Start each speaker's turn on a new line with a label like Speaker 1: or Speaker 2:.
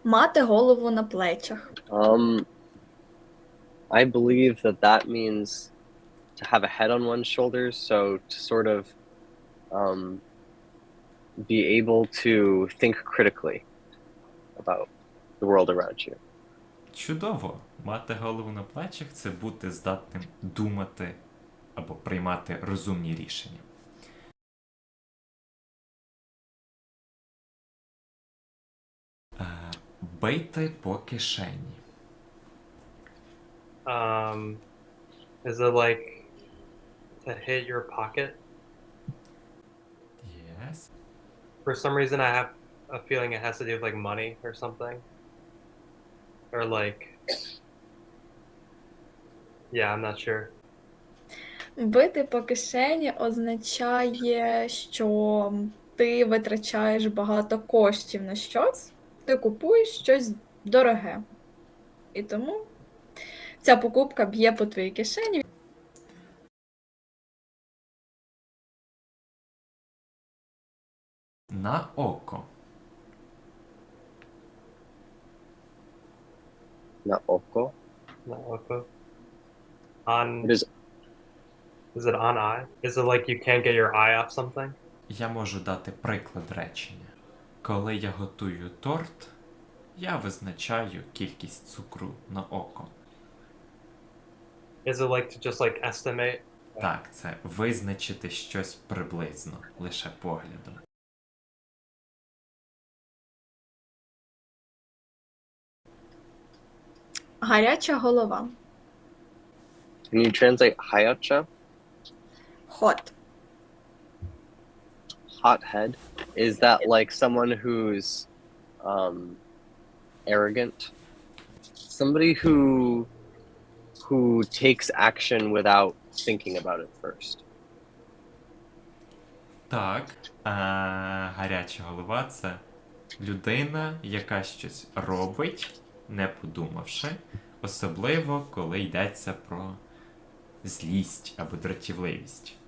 Speaker 1: Мати голову на плечах.
Speaker 2: Um, I believe that that means to have a head on one's shoulders, so to sort of um, be able to think critically about the world around you.
Speaker 3: Чудово! Мати голову на плечах – це бути здатним думати або приймати розумні рішення. Бийте по кишені.
Speaker 4: Is it like to hit your pocket?
Speaker 3: Yes.
Speaker 4: For some reason, I have a feeling it has to do with like money or something, or like, yeah, I'm not sure.
Speaker 1: Бити по кишені означає, що ти витрачаєш багато коштів на щось, ти купуєш щось дороге. І тому ця покупка б'є по твоїй кишені.
Speaker 3: На око.
Speaker 2: Na oko.
Speaker 4: Not oko. On
Speaker 2: It is
Speaker 4: is it on eye? Is it like you can't get your eye off something?
Speaker 3: Я можу дати приклад речення. Коли я готую торт, я визначаю кількість цукру на око.
Speaker 4: Is it like to just like estimate?
Speaker 3: Так, це визначити щось приблизно, лише поглядом.
Speaker 1: Гаряча голова.
Speaker 2: Can you translate hayacha?
Speaker 1: Hot.
Speaker 2: Hot head. Is that like someone who's arrogant? Somebody who takes action without thinking about it first.
Speaker 3: Так, гаряча голова – це людина, яка щось робить, не подумавши, особливо, коли йдеться про злість або дратівливість.